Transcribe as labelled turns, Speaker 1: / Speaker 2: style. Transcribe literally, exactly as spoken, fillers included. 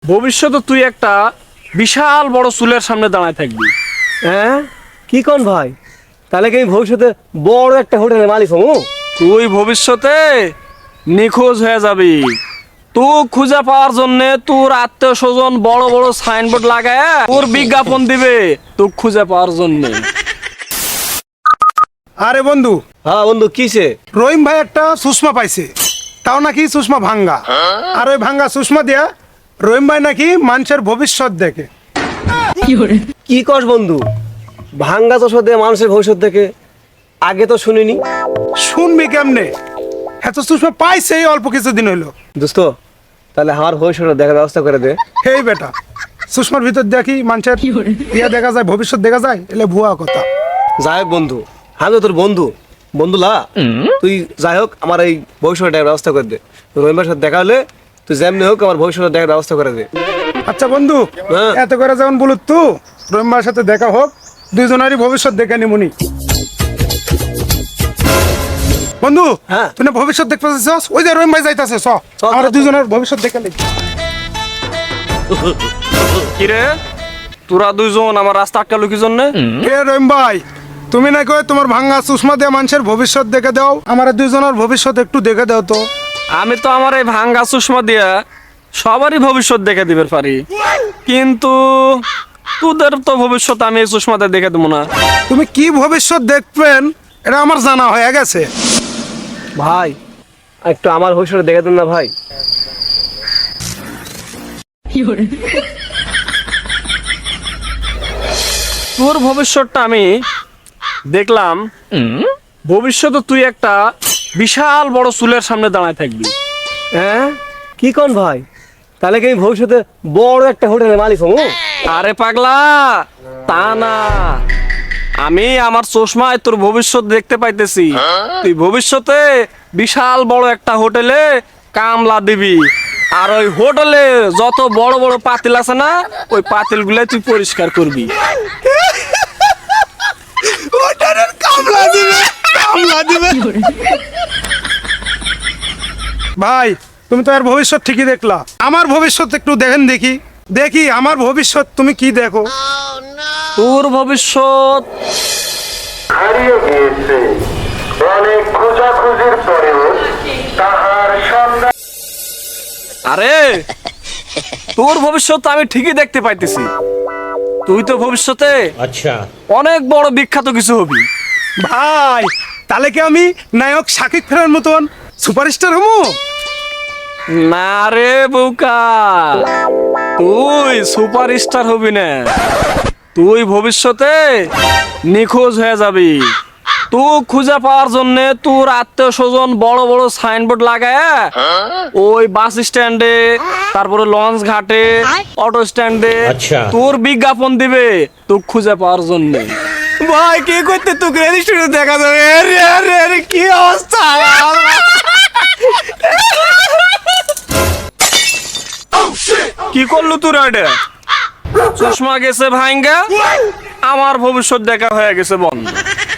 Speaker 1: ভবিষ্যতে তুই একটা বিশাল বড় চুলের সামনে দাঁড়ায় থাকবি।
Speaker 2: হ্যাঁ কি কোন ভাই, তাহলে কি আমি ভবিষ্যতে বড় একটা হোটেলের মালিক হবো?
Speaker 1: তুই ভবিষ্যতে নিখোঁজ হয়ে যাবি। তুই খুঁজে পাওয়ার জন্য তোর আত্মীয় স্বজন বড় বড় সাইনবোর্ড লাগায় তোর বিজ্ঞাপন দিবে তুই খুঁজে পাওয়ার জন্য।
Speaker 3: আরে বন্ধু,
Speaker 2: হ্যাঁ বন্ধু কিসে?
Speaker 3: রহিম ভাই একটা সুষমা পাইছে, তাও নাকি সুষমা ভাঙ্গা। আর ওই ভাঙ্গা সুষমা দিয়া রহিম ভাই নাকি মানুষের ভবিষ্যৎ দেখে।
Speaker 2: কি কস বন্ধু, ভাঙ্গা তো সদে মানুষের ভবিষ্যৎ দেখে? আগে তো শুনিনি।
Speaker 3: শুনবি কেমনে, এত সুষমা পাইছে এই অল্প কিছুদিন হইলো।
Speaker 2: দোস্ত তাহলে আমার ভবিষ্যৎ দেখার ব্যবস্থা করে দে।
Speaker 3: হেই বেটা, সুষমার ভিতর দেখি মানুষের ইয়া দেখা যায়, ভবিষ্যৎ দেখা যায়, এলে ভুয়া কথা।
Speaker 2: যাই হোক বন্ধু, আমি তো তোর বন্ধু বন্ধু লা, তুই যাই হোক আমার এই ভবিষ্যৎ দেখার ব্যবস্থা করে দে। রহিম ভাইয়ের সাথে দেখা হলে তুই যেমনি হোক আমার ভবিষ্যৎ দেখার ব্যবস্থা করে দে।
Speaker 3: আচ্ছা বন্ধু,
Speaker 2: হ্যাঁ।
Speaker 3: এত করে যেমন বলুত তু রহিম ভাইয়ের সাথে দেখা হোক, দুইজনেরই ভবিষ্যৎ দেখে নিমুনি। বন্ধু,
Speaker 2: হ্যাঁ।
Speaker 3: তুই না ভবিষ্যৎ দেখতে পাচ্ছিস? ওই যে রহিম ভাই যাইতাছে, চ
Speaker 2: চ,
Speaker 3: আমরা
Speaker 2: চ, চ।
Speaker 3: দুইজনের ভবিষ্যৎ দেখে নিই।
Speaker 1: কিরে তোরা দুইজন আমার রাস্তা আটকালো কি জন্য?
Speaker 3: হে রহিম ভাই, তুমি না কই তোমার ভাঙ্গা সুষমা দিয়ে মানুষের ভবিষ্যৎ দেখে দাও, আমার দুইজনের ভবিষ্যৎ একটু দেখে দাও তো।
Speaker 1: আমি তো আমার এই ভাঙ্গা চশমা দিয়া সবারই ভবিষ্যৎ দেখে দিবে পারি, কিন্তু তোদের তো ভবিষ্যৎ আমি এই চশমাতে দেখে দেবো না।
Speaker 3: তুমি কি ভবিষ্যৎ দেখবেন এটা আমার জানা হয়ে গেছে।
Speaker 2: ভাই একটু আমার ভবিষ্যৎ দেখে দেন না ভাই।
Speaker 1: তোর ভবিষ্যৎটা আমি দেখলাম। ভবিষ্যতে তুই একটা বিশাল বড় চুলের সামনে দাঁড়ায় থাকবি।
Speaker 2: হ্যাঁ কি কোন ভাই, তাহলে কি আমি ভবিষ্যতে বড় একটা হোটেলের মালিক হবো?
Speaker 1: আরে পাগলা, তা না, আমি আমার চশমায় তোর ভবিষ্যৎ দেখতে পাইতেছি। তুই ভবিষ্যতে বিশাল বড় একটা হোটেলে কামলা দিবি, আর ওই হোটেলে যত বড় বড় পাতিল আছে না, ওই পাতিল গুলাই তুই পরিষ্কার করবি।
Speaker 3: কামলা দিবে, কামলা দিবে। ভাই তুমি তো আর ভবিষ্যৎ ঠিকই দেখলা, আমার ভবিষ্যৎ একটু দেখেন দেখি, দেখি আমার ভবিষ্যৎ তুমি কি দেখো।
Speaker 1: তোর ভবিষ্যৎ
Speaker 4: হারিয়ে গিয়েছে। অনেক খোঁজাখুঁজির পরেও তাহার সন্ধান।
Speaker 1: আরে তোর ভবিষ্যৎ আমি ঠিকই দেখতে পাইতেছি। তুই তো ভবিষ্যতে
Speaker 5: अच्छा
Speaker 1: অনেক বড় বিখ্যাত কিছু হবি।
Speaker 3: ভাই তাহলে কি আমি নায়ক শাকিব খানের মতন সুপারস্টার হবো?
Speaker 1: না রে বোকা, তুই সুপারস্টার হবি না। তুই ভবিষ্যতে নিখোঁজ হয়ে যাবি। তুই খুঁজে পাওয়ার জন্য তোর আত্মীয় স্বজন বড় বড় সাইনবোর্ড লাগায় ওই বাস স্ট্যান্ডে, তারপরে লঞ্চ ঘাটে, অটো স্ট্যান্ডে
Speaker 5: আচ্ছা।
Speaker 1: তোর বিজ্ঞাপন দিবে তুই খুঁজে পাওয়ার জন্য।
Speaker 3: ভাই কি করতে তোকে রেজিস্ট্রি দেখা যাবে? আরে আরে আরে কি অবস্থা!
Speaker 1: কি করলু তুই রে? চশমা গেছে ভাঙ্গা, আমার ভবিষ্যৎ দেখা হয়ে গেছে বন্ধ।